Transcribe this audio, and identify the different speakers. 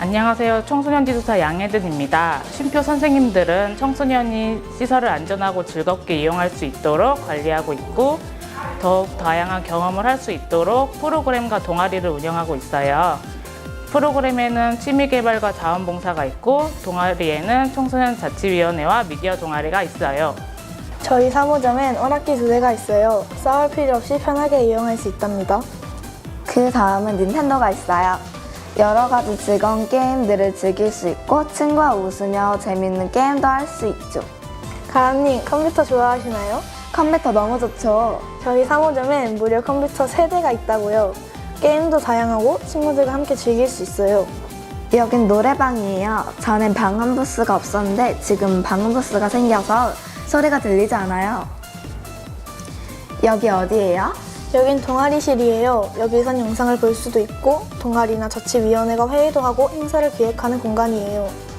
Speaker 1: 안녕하세요. 청소년 지도사 양혜든입니다. 쉼표 선생님들은 청소년이 시설을 안전하고 즐겁게 이용할 수 있도록 관리하고 있고 더욱 다양한 경험을 할 수 있도록 프로그램과 동아리를 운영하고 있어요. 프로그램에는 취미개발과 자원봉사가 있고 동아리에는 청소년 자치위원회와 미디어 동아리가 있어요.
Speaker 2: 저희 사무점엔 오락기 2대가 있어요. 싸울 필요 없이 편하게 이용할 수 있답니다.
Speaker 3: 그 다음은 닌텐도가 있어요. 여러 가지 즐거운 게임들을 즐길 수 있고 친구와 웃으며 재밌는 게임도 할 수 있죠.
Speaker 2: 가람님, 컴퓨터 좋아하시나요?
Speaker 3: 컴퓨터 너무 좋죠.
Speaker 2: 저희 사무점엔 무료 컴퓨터 3대가 있다고요. 게임도 다양하고 친구들과 함께 즐길 수 있어요.
Speaker 3: 여긴 노래방이에요. 전엔 방음 부스가 없었는데 지금 방음 부스가 생겨서 소리가 들리지 않아요. 여기 어디예요?
Speaker 2: 여긴 동아리실이에요. 여기선 영상을 볼 수도 있고 동아리나 자치위원회가 회의도 하고 행사를 기획하는 공간이에요.